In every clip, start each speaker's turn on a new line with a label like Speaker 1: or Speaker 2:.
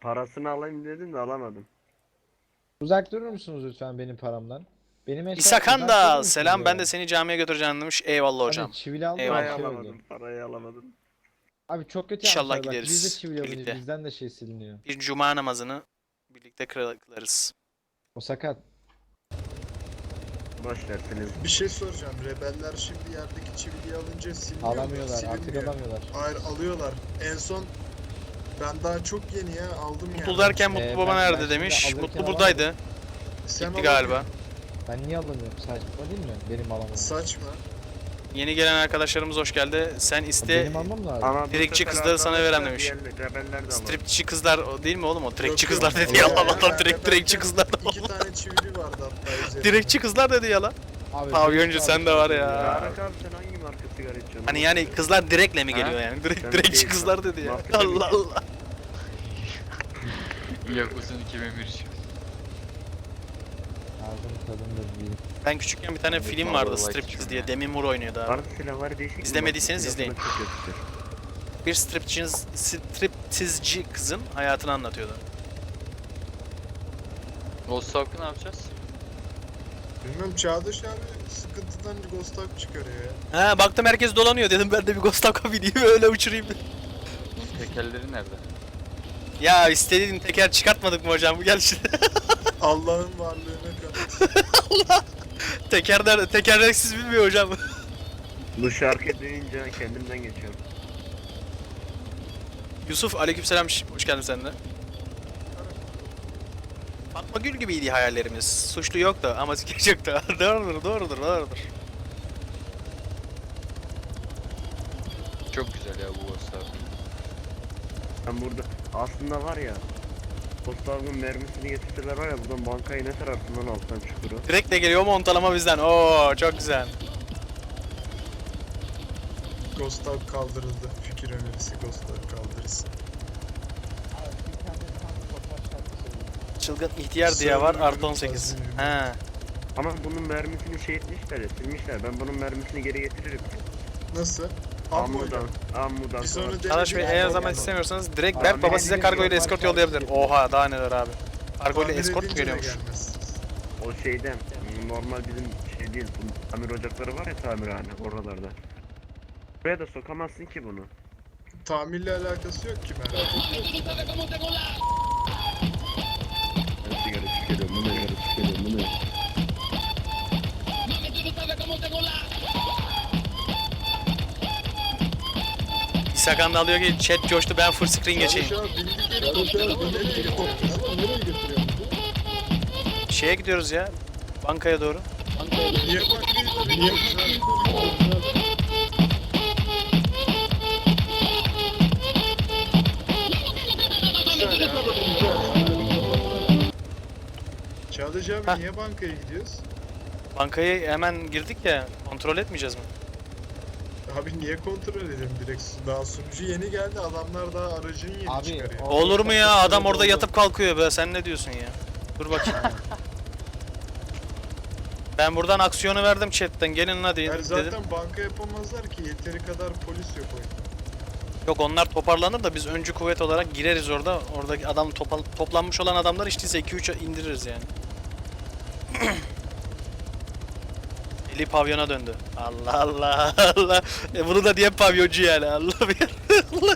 Speaker 1: Parasını alayım dedim de alamadım.
Speaker 2: Uzak durur musunuz lütfen benim paramdan? Benim eşya
Speaker 3: İsa
Speaker 2: uzak durur
Speaker 3: Kanda,
Speaker 2: musunuz
Speaker 3: selam, ben
Speaker 2: ya?
Speaker 3: de seni camiye götüreceğim demiş. Eyvallah
Speaker 2: Abi
Speaker 3: hocam.
Speaker 2: çivili aldı
Speaker 3: Eyvallah.
Speaker 2: bir
Speaker 1: Parayı
Speaker 2: şey oldu.
Speaker 1: alamadım. Parayı alamadım.
Speaker 2: Abi çok kötü
Speaker 3: İnşallah
Speaker 2: yapmışlar bak biz de
Speaker 3: gideriz
Speaker 2: çivili alınca
Speaker 3: birlikte.
Speaker 2: bizden de şey siliniyor.
Speaker 3: Bir cuma namazını birlikte kılarız.
Speaker 2: O sakat.
Speaker 1: Boş verseniz.
Speaker 4: Bir şey soracağım. Rebeller şimdi yerdeki çiviliyi alınca siliniyor mu?
Speaker 2: Alamıyorlar artık
Speaker 4: Silinmiyor.
Speaker 2: alamıyorlar.
Speaker 4: Hayır alıyorlar. En son ben daha çok yeni ya aldım yani.
Speaker 3: Mutlu derken Mutlu Baba
Speaker 2: ben
Speaker 3: nerede
Speaker 2: şimdi
Speaker 3: demiş.
Speaker 2: alırken
Speaker 3: Mutlu buradaydı.
Speaker 4: Sen
Speaker 3: Gitti galiba.
Speaker 2: Ben niye alamıyorum saçma değil mi? Benim alamam.
Speaker 4: Saçma.
Speaker 3: Yeni gelen arkadaşlarımız hoş geldi. Sen iste.
Speaker 2: Benim almam lazım.
Speaker 1: Ama bu
Speaker 3: Direkçi
Speaker 1: sefer
Speaker 3: kızları sana
Speaker 1: arkadaşlar
Speaker 3: verem demiş.
Speaker 1: diğer rebeller de alır.
Speaker 3: Stripçi kızlar o değil mi oğlum o? Direkçi
Speaker 4: Yok,
Speaker 3: kızlar
Speaker 4: yok.
Speaker 3: dedi ya.
Speaker 4: Öyle
Speaker 3: Allah'tan
Speaker 4: ya,
Speaker 3: direkçi
Speaker 4: rebelken
Speaker 3: kızlar.
Speaker 4: 2 tane çivili vardı hatta üzerinde.
Speaker 3: Direkçi kızlar dedi ya lan.
Speaker 2: Abi,
Speaker 3: Pavyoncu
Speaker 2: benim
Speaker 3: sen de var ya.
Speaker 1: Tarık abi sen hangi marka sigara içiyorsun?
Speaker 3: Hani yani kızlar direkle mi
Speaker 1: Ha?
Speaker 3: geliyor yani?
Speaker 1: Sen
Speaker 3: Direkçi
Speaker 1: şey-
Speaker 3: kızlar dedi ya.
Speaker 1: Mafya
Speaker 3: Allah Allah.
Speaker 5: Yakuz'un 2001 için.
Speaker 2: Ağzım tadım da değil.
Speaker 3: Ben küçükken bir tane
Speaker 5: Ben de
Speaker 3: film
Speaker 5: Marvel
Speaker 3: vardı
Speaker 5: White
Speaker 3: Striptease
Speaker 5: içiyorum
Speaker 3: diye.
Speaker 5: ya.
Speaker 3: Demi Moore oynuyordu abi.
Speaker 1: Tarık silahları değişik.
Speaker 3: İzlemediyseniz
Speaker 1: Bak,
Speaker 3: izleyin.
Speaker 1: silahları çok kötüdür.
Speaker 3: Bir striptizci kızın hayatını anlatıyordu.
Speaker 5: Ghost Talk'ı ne yapacağız?
Speaker 4: Bilmem Çağdaş abi sıkıntıdan Ghost Talk çıkarıyor ya.
Speaker 3: Ha baktım herkes dolanıyor dedim ben de bir Ghost Talk'a bineyim öyle uçurayım.
Speaker 5: Tekerleri nerede?
Speaker 3: Ya istediğin teker çıkartmadık mı hocam? Gel şimdi.
Speaker 4: Allah'ın varlığına kanıt.
Speaker 3: Tekerleksiz bilmiyor hocam.
Speaker 1: Bu şarkı duyunca kendimden geçiyorum.
Speaker 3: Yusuf aleykümselam hoş geldin sen de. Fatma Gül gibiydi hayallerimiz. Suçlu yoktu ama skeç yoktu. Doğrudur.
Speaker 5: Çok güzel ya bu Ghost Talk.
Speaker 1: Ben burada aslında var ya. Postavın mermisini getirseler var ya buradan bankayı ne tararsın lan alttan çukuru.
Speaker 3: Direkt de geliyor montalama bizden. Oo çok güzel.
Speaker 4: Ghost Talk kaldırıldı. Fikir önerisi Ghost Talk kaldırırsın.
Speaker 3: Çılgın ihtiyar diye var artı 18.
Speaker 4: Server'ın
Speaker 3: He.
Speaker 1: Ama bunun mermisini şey etmişler ya silmişler. Ben bunun mermisini geri getiririm.
Speaker 4: Nasıl?
Speaker 1: Ammudan. Ammudan.
Speaker 4: Bir sonra
Speaker 1: sonra-
Speaker 4: de-
Speaker 3: Arkadaş Bey eğer
Speaker 4: Tamam.
Speaker 3: zaman istemiyorsanız direkt
Speaker 1: Tamam,
Speaker 3: Berk Baba
Speaker 1: bir
Speaker 3: size
Speaker 1: de
Speaker 3: kargo ile
Speaker 2: bir
Speaker 3: eskort
Speaker 2: parça
Speaker 3: yollayabilir.
Speaker 2: şey-
Speaker 3: Oha daha neler abi. Kargo ile
Speaker 4: Tamir
Speaker 3: eskort mu
Speaker 4: edince de
Speaker 3: geliyormuş?
Speaker 4: gelmez.
Speaker 1: O şeyden normal bizim şey değil. Bu tamir ocakları var ya tamirhane oralarda. Buraya da sokamazsın ki bunu.
Speaker 4: Tamirle alakası yok ki merak etme.
Speaker 1: Ben sigara tüketiyorum. Bu ne? Sigara tüketiyorum. Bu ne?
Speaker 3: İsakan da diyor ki chat coştu ben full screen geçeyim.
Speaker 4: Şu an bindik helikoptere bu nereye gidiyor?
Speaker 3: Şeye gidiyoruz ya. Bankaya doğru.
Speaker 4: Niye bakıyorsun? Niye Çağdaş
Speaker 3: Heh.
Speaker 4: abi niye bankaya gidiyoruz?
Speaker 3: Bankayı hemen girdik ya. Kontrol etmeyeceğiz mi?
Speaker 4: Abi niye kontrol edelim direkt? Daha sunucu yeni geldi adamlar daha aracın yeni
Speaker 2: Abi,
Speaker 4: çıkarıyor.
Speaker 2: o-
Speaker 3: Olur mu ya? Adam orada yatıp kalkıyor be. Sen ne diyorsun ya? Dur bakayım. Ben buradan aksiyonu verdim chatten. Gelin hadi
Speaker 4: Yani
Speaker 3: dedim.
Speaker 4: zaten banka yapamazlar ki yeteri kadar polis yok oyunda.
Speaker 3: Yok onlar toparlanır da biz öncü kuvvet olarak gireriz orada. Oradaki adam toplanmış olan adamlar işte 2-3 indiririz yani. Eli pavyona döndü. Allah Allah Allah. Bunu da diye pavyoncu yani. Allah bir Allah.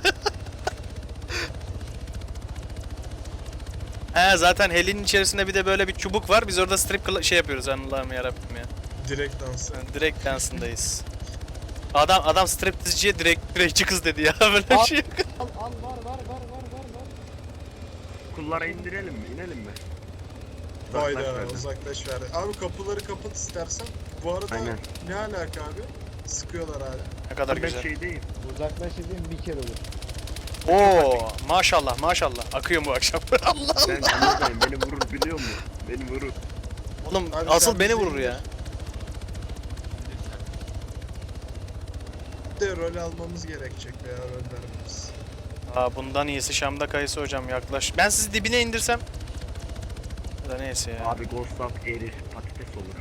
Speaker 3: He zaten helinin içerisinde bir de böyle bir çubuk var. Biz orada şey yapıyoruz Allah'ım yarabbim ya.
Speaker 4: Direkt dansı.
Speaker 3: Yani direkt dansındayız. Adam striptizciye direktçi kız dedi ya. Böyle bir şey yok.
Speaker 2: Al var.
Speaker 1: Kullara indirelim mi? İnelim mi?
Speaker 4: Hayda
Speaker 1: verdi.
Speaker 4: uzaklaş verdi. Abi kapıları kapat istersen. Bu arada
Speaker 1: Aynen.
Speaker 4: ne alaka abi? Sıkıyorlar hala.
Speaker 3: Ne kadar
Speaker 1: Ben
Speaker 3: güzel.
Speaker 1: şey değil.
Speaker 2: Uzaklaş dediğim bir kere olur.
Speaker 3: Oo maşallah. Akıyor bu akşam. Allah
Speaker 1: Ben anladayım. Beni vurur biliyor musun? Beni vurur.
Speaker 3: Oğlum
Speaker 4: Abi
Speaker 3: asıl
Speaker 4: sen
Speaker 3: beni
Speaker 4: bizi
Speaker 3: vurur ya.
Speaker 4: Bir de rol almamız gerekecek veya rol vermemiz.
Speaker 3: Bundan iyisi Şam'da kayısı hocam yaklaş. Ben sizi dibine indirsem. Ya da neyse ya.
Speaker 1: Abi Ghost Up erir. Patates olur.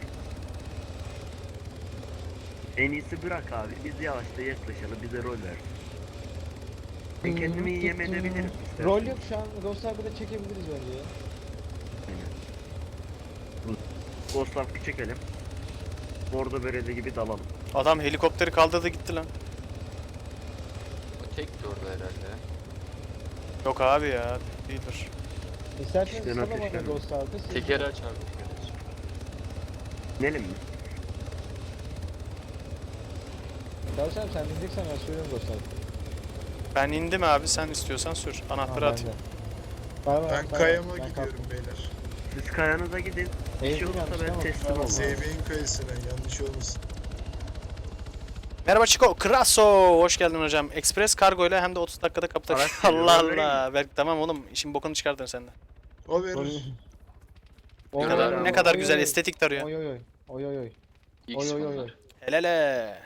Speaker 1: En iyisi bırak abi. Biz yavaşça yaklaşalım. Bize rol ver. Ben kendimi iyi yem edebilirim. istersen.
Speaker 2: Rol yok şu an. Ghost Arka'da çekebiliriz bence ya.
Speaker 1: Ghost'lar bir çekelim. Bordo bereli gibi dalalım.
Speaker 3: Adam helikopteri kaldırdı gitti lan.
Speaker 5: O tek de orada herhalde.
Speaker 3: Yok abi ya. Değildir.
Speaker 2: İsterseniz
Speaker 1: İşten
Speaker 2: salın bana
Speaker 1: ateşlenme.
Speaker 2: Ghost Ark'a. siz-
Speaker 5: Tekeri açar bu kadar.
Speaker 1: İnelim mi?
Speaker 2: Çalışalım sen bineceksen ben sürüyorum Ghost Ark'a.
Speaker 3: Ben indim abi, sen istiyorsan sür. Anahtarı atayım.
Speaker 4: Ben kayama gidiyorum beyler.
Speaker 1: Siz kayanıza gidin. Bir şey olursa ben teslim olmam.
Speaker 4: Sevbeğin kayısına yanlış olmasın.
Speaker 3: Merhaba Chico, Kraso. Hoş geldin hocam. Express kargo ile hem de 30 dakikada kapıda.
Speaker 1: Araç geliyor,
Speaker 3: Allah
Speaker 1: ben vereyim
Speaker 3: Allah. Berk tamam oğlum, işin bokunu çıkardın sen de.
Speaker 4: O verir.
Speaker 5: Ne kadar-
Speaker 3: Ne kadar güzel estetik tarıyor.
Speaker 2: Oy oy oy. Oy oy oy.
Speaker 5: X
Speaker 2: Oy oy oy.
Speaker 5: bunlar.
Speaker 3: Helele.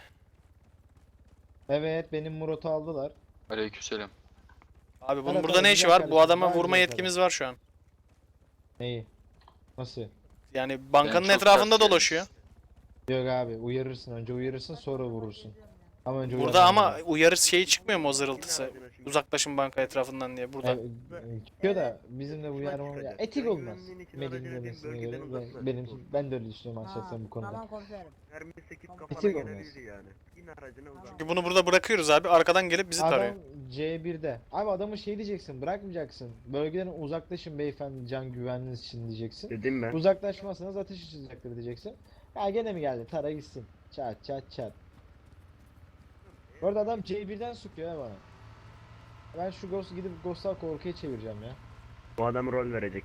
Speaker 2: Evet benim Murat'ı aldılar.
Speaker 5: Aleykümselam.
Speaker 3: Abi bunun
Speaker 2: Evet,
Speaker 3: burada
Speaker 2: evet,
Speaker 3: ne işi
Speaker 2: güzel
Speaker 3: var? Bu
Speaker 2: kardeşim,
Speaker 3: adama
Speaker 2: daha
Speaker 3: vurma
Speaker 2: güzel
Speaker 3: yetkimiz var şu an.
Speaker 2: Neyi? Nasıl?
Speaker 3: Yani bankanın
Speaker 5: çok
Speaker 3: etrafında
Speaker 5: ters
Speaker 3: dolaşıyor.
Speaker 2: Yok abi uyarırsın önce uyarırsın sonra vurursun. Ama önce
Speaker 3: Burada
Speaker 2: uyarman
Speaker 3: ama
Speaker 2: lazım.
Speaker 3: uyarı şeyi çıkmıyor mu o zırıltısı? Uzaklaşın banka etrafından diye burada.
Speaker 2: Çıkıyor da bizim de uyarmamız ya etik olmaz. Melih'in demesine göre ben de öyle düşünüyorum şahsen bu konuda.
Speaker 6: Tamam komiserim.
Speaker 1: Mermi 8 kafana
Speaker 2: Bitik olmaz.
Speaker 1: gelebilir yani. İn aracına uzak.
Speaker 3: Çünkü bunu burada bırakıyoruz abi. Arkadan gelip bizi tarıyor.
Speaker 2: Adam C1'de. Abi adamı şey diyeceksin bırakmayacaksın. Bölgeden uzaklaşın beyefendi can güvenliğiniz için diyeceksin.
Speaker 1: Dedim ben.
Speaker 2: Uzaklaşmazsanız ateş açılacaktır diyeceksin. Ya gene mi geldi? Tara gitsin. Çat çat çat. Bu arada adam C1'den sıkıyor ya bana. Ben şu Ghost'u gidip Ghost'lar korkuya çevireceğim ya.
Speaker 1: Bu adam rol verecek.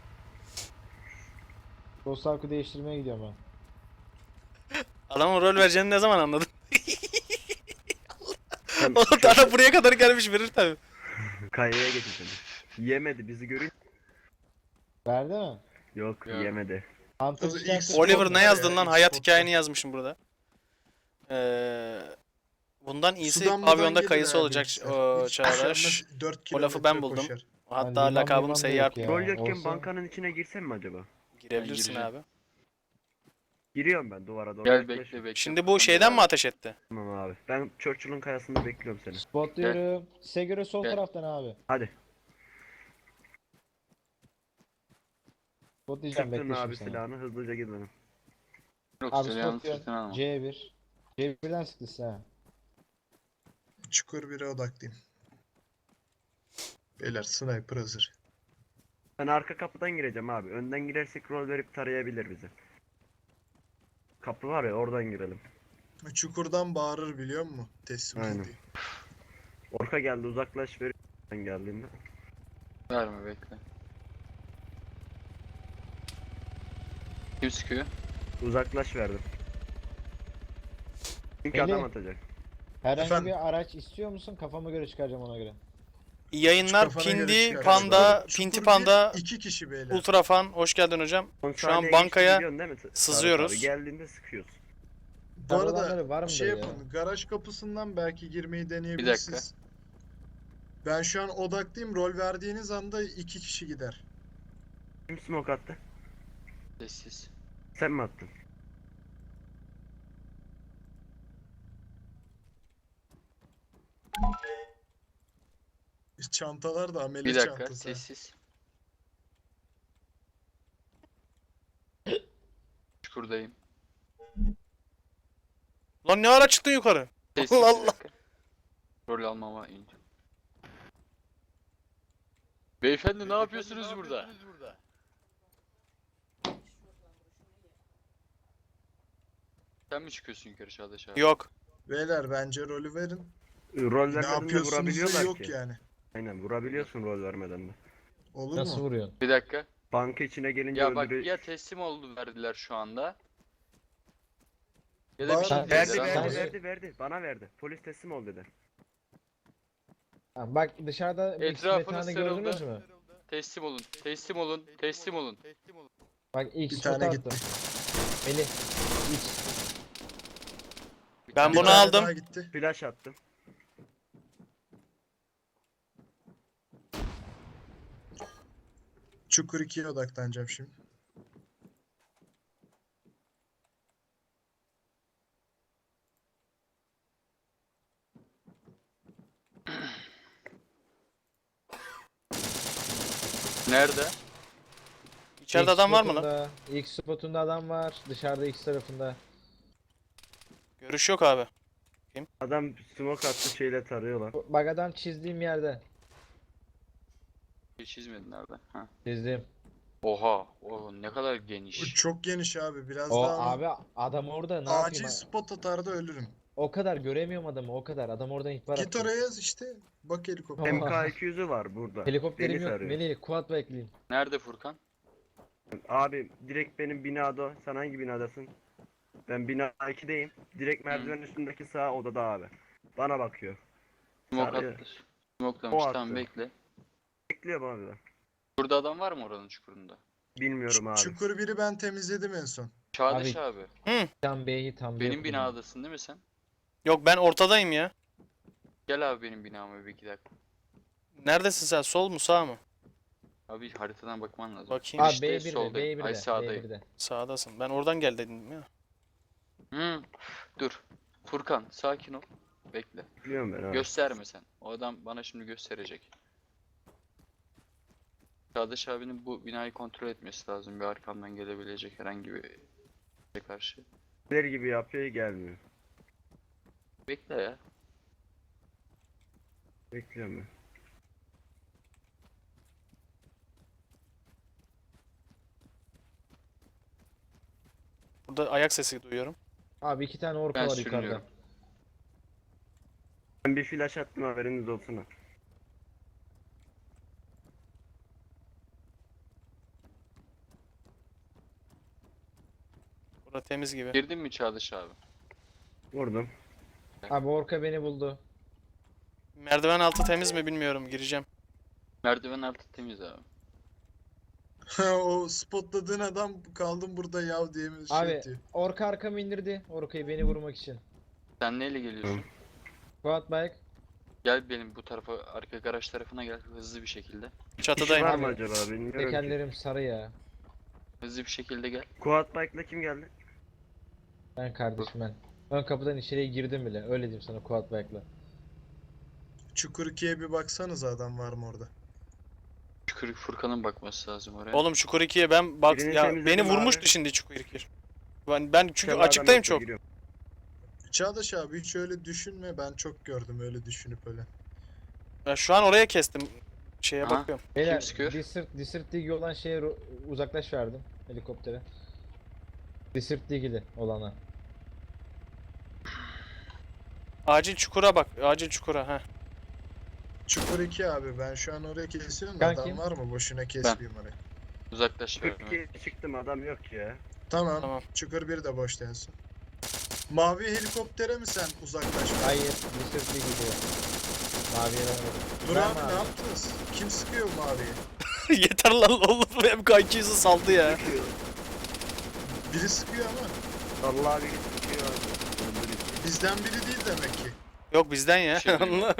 Speaker 2: Ghost Ark'ı değiştirmeye gidiyorum ben.
Speaker 3: Adamın rol vereceğini ne zaman anladın?
Speaker 1: Sen
Speaker 3: Oğlum adam buraya kadar gelmiş, verir tabi.
Speaker 1: kayaya getirdim. Yemedi bizi görün.
Speaker 2: Verdi mi?
Speaker 1: Yok
Speaker 5: Yok.
Speaker 1: yemedi.
Speaker 2: Hunter
Speaker 4: Tabii
Speaker 2: çıkarsa-
Speaker 4: ilk spot
Speaker 3: Oliver
Speaker 4: var
Speaker 3: ne
Speaker 4: ya,
Speaker 3: yazdın lan?
Speaker 4: ilk
Speaker 3: Hayat
Speaker 4: spot
Speaker 3: hikayeni
Speaker 4: var.
Speaker 3: yazmışım burada. Bundan iyisi
Speaker 4: Sudanlı'dan
Speaker 3: pavyonda
Speaker 4: gelin
Speaker 3: kayısı
Speaker 4: abi
Speaker 3: olacak
Speaker 4: işte.
Speaker 3: o
Speaker 4: Hiç
Speaker 3: Çağdaş.
Speaker 4: üşenmez, 4
Speaker 3: O lafı ben
Speaker 4: kilometre
Speaker 3: buldum.
Speaker 4: koşar.
Speaker 3: Hatta
Speaker 2: liman
Speaker 3: lakabım
Speaker 2: liman da
Speaker 3: seyyar.
Speaker 2: yok ya.
Speaker 1: Rol yokken
Speaker 2: olsa-
Speaker 1: bankanın içine girsem mi acaba?
Speaker 3: Girebilirsin
Speaker 5: gireceğim.
Speaker 3: abi.
Speaker 1: Giriyorum ben duvara doğru.
Speaker 5: Gel
Speaker 1: yaklaşıyorum.
Speaker 5: bekle bekle.
Speaker 3: Şimdi bu şeyden mi ateş etti?
Speaker 1: Tamam abi. Ben Churchill'ın kayasında bekliyorum seni.
Speaker 2: Spotluyorum. Size göre sol
Speaker 5: Gel.
Speaker 2: taraftan abi.
Speaker 1: Hadi.
Speaker 2: Spotlayacağım
Speaker 1: Çıktın
Speaker 2: bekle
Speaker 1: abi
Speaker 2: şimdi sana.
Speaker 1: silahını hızlıca gidelim.
Speaker 5: Yok
Speaker 2: Abi
Speaker 5: silahını
Speaker 2: spotluyorum.
Speaker 5: sırtına alma.
Speaker 2: C1. C1'den sıktı size ha.
Speaker 4: Çukur 1'e odaklıyım. Beyler sniper hazır.
Speaker 1: Ben arka kapıdan gireceğim abi. Önden girersek rol verip tarayabilir bizi. Kapı var ya oradan girelim.
Speaker 4: Çukurdan bağırır biliyor musun? Teslim
Speaker 1: Aynen.
Speaker 4: diye.
Speaker 1: Orka geldi uzaklaş ver. Ben geldiğimde.
Speaker 5: Verme bekle. Kim sıkıyor?
Speaker 1: Uzaklaş verdim. Çünkü
Speaker 2: Melih.
Speaker 1: adam atacak.
Speaker 2: Herhangi
Speaker 4: Efendim?
Speaker 2: bir araç istiyor musun? Kafama göre çıkaracağım ona göre.
Speaker 3: İyi yayınlar.
Speaker 4: Kafana göre
Speaker 3: Pindi,
Speaker 4: çıkar.
Speaker 3: Panda,
Speaker 4: Çukur
Speaker 3: Pinti
Speaker 4: bir,
Speaker 3: Panda,
Speaker 4: 2 kişi beyler.
Speaker 3: Ultrafan. Hoş geldin hocam.
Speaker 1: On
Speaker 3: Şu an
Speaker 1: saniye
Speaker 3: bankaya
Speaker 1: geçti, biliyorsun değil mi? Tarık
Speaker 3: sızıyoruz.
Speaker 1: Abi, geldiğinde sıkıyoruz.
Speaker 4: Bu arada
Speaker 2: Adamları var
Speaker 4: şey
Speaker 2: mıdır ya?
Speaker 4: yapın. Garaj kapısından belki girmeyi deneyebilirsiniz. Ben şu an odaklıyım. Rol verdiğiniz anda 2 kişi gider.
Speaker 1: Kim smoke attı?
Speaker 5: Sessiz.
Speaker 1: Sen mi attın?
Speaker 4: Çantalar da amele
Speaker 5: Bir dakika
Speaker 4: çantası.
Speaker 5: sessiz. Çukurdayım.
Speaker 3: Lan ne ara çıktın yukarı?
Speaker 5: Sessiz
Speaker 3: Allah
Speaker 5: bir
Speaker 3: Allah.
Speaker 5: dakika. Rol almama ince. Beyefendi ne yapıyorsunuz burada? Sen mi çıkıyorsun yukarı Çağdaş abi?
Speaker 3: Yok.
Speaker 4: Beyler bence rolü verin.
Speaker 1: Rol
Speaker 4: Ne
Speaker 1: vermeden de
Speaker 4: yapıyorsunuz da
Speaker 1: vurabiliyorlar
Speaker 4: yok
Speaker 1: ki.
Speaker 4: yani.
Speaker 1: Aynen vurabiliyorsun rol vermeden de.
Speaker 4: Olur
Speaker 2: Nasıl
Speaker 4: mu?
Speaker 2: vuruyorsun?
Speaker 5: Bir dakika.
Speaker 1: Banka içine gelince
Speaker 5: Ya bak
Speaker 1: öldürü...
Speaker 5: ya teslim oldu verdiler şu anda. Ya
Speaker 4: Bana-
Speaker 5: da bir şey
Speaker 2: Verdi,
Speaker 1: Verdi
Speaker 5: dediler
Speaker 2: Sen-
Speaker 5: ama-
Speaker 1: verdi
Speaker 2: sen-
Speaker 1: verdi verdi. Bana verdi. Polis teslim ol dedi.
Speaker 2: Ha, bak dışarıda bir
Speaker 5: Etrafını
Speaker 2: metanı
Speaker 5: sarıldı.
Speaker 2: gördünüz mü?
Speaker 5: Teslim olun. Teslim olun. Teslim olun.
Speaker 2: Bak ilk
Speaker 4: Bir
Speaker 2: spot
Speaker 4: tane
Speaker 2: attım.
Speaker 4: gitti.
Speaker 2: Melih. Hiç.
Speaker 3: Ben
Speaker 4: Bir
Speaker 3: bunu
Speaker 4: tane
Speaker 3: aldım.
Speaker 4: daha gitti.
Speaker 1: Flash attım.
Speaker 4: Çukur 2'ye odaklanacağım şimdi.
Speaker 5: Nerede?
Speaker 3: İçeride
Speaker 2: X
Speaker 3: adam var mı lan?
Speaker 2: spotunda, X spotunda adam var. Dışarıda X tarafında.
Speaker 3: Görüş yok abi.
Speaker 1: Adam smoke attı şeyle tarıyorlar.
Speaker 2: Bak adam çizdiğim yerde.
Speaker 5: Hiç çizmedin nerede? Ha.
Speaker 2: Çizdim.
Speaker 5: Oha. O ne kadar
Speaker 4: Bu
Speaker 5: geniş.
Speaker 4: çok geniş abi. Biraz
Speaker 2: O
Speaker 4: daha ama
Speaker 2: abi adam orada ne
Speaker 4: acil
Speaker 2: yapayım?
Speaker 4: spot atar da ölürüm.
Speaker 2: O kadar göremiyorum adamı o kadar. Adam oradan ihbar
Speaker 4: Git
Speaker 2: attı.
Speaker 4: oraya yaz işte. Bak helikopter.
Speaker 2: Tamam.
Speaker 1: MK200'ü var burada.
Speaker 2: Helikopterim
Speaker 1: Beni
Speaker 2: yok.
Speaker 1: tarıyor.
Speaker 2: Melih quad bekleyeyim.
Speaker 5: Nerede Furkan?
Speaker 1: Abi direkt benim binada. Sen hangi binadasın? Ben bina 2'deyim. Direkt merdivenin üstündeki sağ odada abi. Bana bakıyor.
Speaker 5: Smoke
Speaker 1: Sarıyor.
Speaker 5: attı. Smokelamış.
Speaker 1: O
Speaker 5: Tamam
Speaker 1: attı.
Speaker 5: bekle.
Speaker 1: Bekliyorum abi ben.
Speaker 5: Burada adam var mı oranın çukurunda?
Speaker 1: Bilmiyorum abi.
Speaker 4: Çukur biri ben temizledim en son.
Speaker 5: Çağdaş abi.
Speaker 2: Tam B'yi tam B
Speaker 5: Benim
Speaker 2: yapalım.
Speaker 5: binadasın değil mi sen?
Speaker 3: Yok ben ortadayım ya.
Speaker 5: Gel abi benim binama bir iki dakika.
Speaker 3: Neredesin sen? Sol mu sağ mı?
Speaker 5: Abi haritadan bakman lazım.
Speaker 3: Bakayım.
Speaker 2: Abi
Speaker 5: İşte
Speaker 2: B1'de,
Speaker 5: soldayım. Ay
Speaker 2: B1'de,
Speaker 5: sağdayım.
Speaker 2: B1'de.
Speaker 3: Sağdasın. Ben oradan gel dedim ya.
Speaker 5: Dur. Furkan sakin ol. Bekle.
Speaker 1: Biliyorum ben abi.
Speaker 5: Gösterme sen. O adam bana şimdi gösterecek. Çağdaş abinin bu binayı kontrol etmesi lazım. Bir arkamdan gelebilecek herhangi bir şeye karşı.
Speaker 1: Neler gibi yapıyor gelmiyor.
Speaker 5: Bekle ya.
Speaker 1: Bekliyorum ben.
Speaker 3: Burada ayak sesi duyuyorum.
Speaker 2: Abi 2 tane orka
Speaker 5: Ben
Speaker 2: var yukarıda.
Speaker 5: sürünüyorum.
Speaker 1: Ben bir flash attım haberiniz olsun ha.
Speaker 3: Burada temiz gibi.
Speaker 5: Girdin mi Çağdaş abi?
Speaker 1: Vurdum.
Speaker 2: Abi orka beni buldu.
Speaker 3: Merdiven altı temiz mi bilmiyorum. Gireceğim.
Speaker 5: Merdiven altı temiz abi.
Speaker 4: O spotladığın adam kaldım burada yav diye mi şey
Speaker 2: Abi
Speaker 4: diyor.
Speaker 2: orka arkamı indirdi. Orkayı beni vurmak için.
Speaker 5: Sen neyle geliyorsun?
Speaker 2: Quad bike.
Speaker 5: Gel benim bu tarafa, arka garaj tarafına gel hızlı bir şekilde.
Speaker 1: Kişi
Speaker 3: Çatıdayım.
Speaker 1: var mı
Speaker 2: Abi,
Speaker 1: acaba bilmiyorum ki.
Speaker 2: Tekerlerim sarı ya.
Speaker 5: Hızlı bir şekilde gel.
Speaker 1: Quad bike'la kim geldi?
Speaker 2: Ben kardeşim ben. Ön kapıdan içeriye girdim bile. Öyle diyeyim sana quad bike'la.
Speaker 4: Çukur 2'ye bir baksanız adam var mı orada?
Speaker 5: Şükür Furkan'ın bakması lazım oraya.
Speaker 3: Oğlum Çukur 2'ye ben bak
Speaker 1: Birini
Speaker 3: ya
Speaker 1: temizledim
Speaker 3: beni vurmuştu
Speaker 1: abi.
Speaker 3: şimdi Çukur 2. Ben çünkü
Speaker 1: Kenardan
Speaker 3: açıktayım
Speaker 1: yoksa
Speaker 3: çok.
Speaker 1: giriyorum.
Speaker 4: Çağdaş abi hiç öyle düşünme. Ben çok gördüm öyle düşünüp öyle.
Speaker 3: Ben şu an oraya kestim. Şeye
Speaker 5: Aha.
Speaker 3: bakıyorum.
Speaker 2: Beyler
Speaker 5: sıkıyor?
Speaker 2: Desert Dig olan şeye uzaklaş verdim helikoptere. Desert Dig'li olana.
Speaker 3: Acil çukura bak. Acil çukura ha.
Speaker 4: Çukur 2 abi ben şu an oraya kesiyorum da
Speaker 2: Kanki.
Speaker 4: adam var mı? Boşuna kesmeyeyim oraya.
Speaker 5: Uzaklaş.
Speaker 1: 42 çıktım adam yok ya.
Speaker 4: Tamam.
Speaker 3: Tamam.
Speaker 4: Çukur 1 de boş densin. Mavi helikoptere mi sen uzaklaş?
Speaker 2: Hayır, Desert Dig gidiyor. Maviye vermedim.
Speaker 4: Dur
Speaker 2: Ben
Speaker 4: abi
Speaker 2: mavi.
Speaker 4: ne yaptınız? Kim sıkıyor maviye?
Speaker 3: Yeter lan oğlum. MK200'ü saldı ya.
Speaker 4: Biri sıkıyor ama
Speaker 1: Allah bir çıkıyor abi. Öldürüyor.
Speaker 4: bizden biri değil demek ki.
Speaker 3: Yok bizden ya.
Speaker 5: Şey duymadım.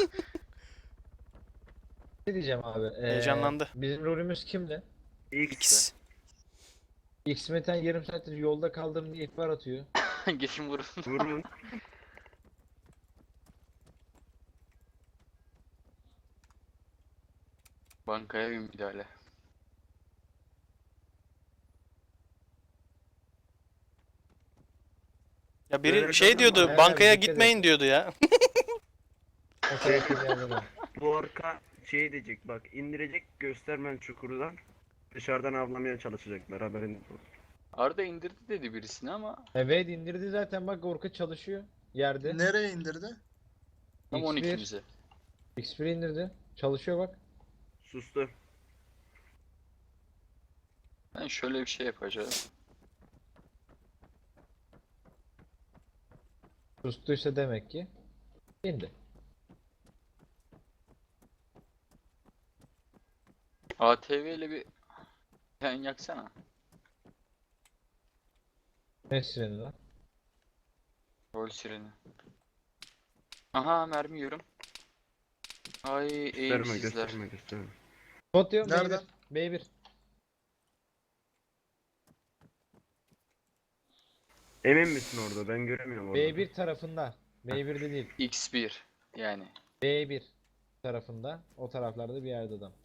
Speaker 2: Ne diyeceğim abi?
Speaker 3: Heyecanlandı.
Speaker 2: Bizim rolümüz kimdi?
Speaker 1: X.
Speaker 2: X-Meten yarım saattir yolda kaldım diye ihbar atıyor.
Speaker 5: Gelin vurun.
Speaker 1: Vurun.
Speaker 5: Bankaya bir müdahale.
Speaker 3: Ya biri
Speaker 1: Böyle
Speaker 3: şey
Speaker 1: kadın
Speaker 3: diyordu.
Speaker 2: var.
Speaker 3: Bankaya
Speaker 2: Evet, dikkat
Speaker 3: gitmeyin diyordu ya.
Speaker 2: O tarafta bir yerde var.
Speaker 1: Bu orka şey diyecek bak indirecek göstermen çukurdan. Dışarıdan avlamaya çalışacaklar haberiniz olsun.
Speaker 5: Arda indirdi dedi birisini ama
Speaker 2: Evet indirdi zaten bak orka çalışıyor yerde.
Speaker 4: Nereye indirdi?
Speaker 5: tam
Speaker 2: X1.
Speaker 5: 12'mize.
Speaker 2: X1 indirdi. Çalışıyor bak.
Speaker 1: Sustu.
Speaker 5: Ben şöyle bir şey yapacağım.
Speaker 2: Sustuysa demek ki indi.
Speaker 5: ATV ile bir sen yaksana.
Speaker 2: Ne sireni lan?
Speaker 5: Rol sireni. Aha mermi yiyorum. Ay
Speaker 1: Gösterme
Speaker 5: eğimsizler.
Speaker 1: gösterme gösterme.
Speaker 2: Bot diyorum
Speaker 4: Nereden?
Speaker 2: B1.
Speaker 1: Emin misin orada? Ben göremiyorum orada.
Speaker 2: B1 tarafında. B1'de değil.
Speaker 5: X1 yani.
Speaker 2: B1 tarafında. O taraflarda bir yerde adam.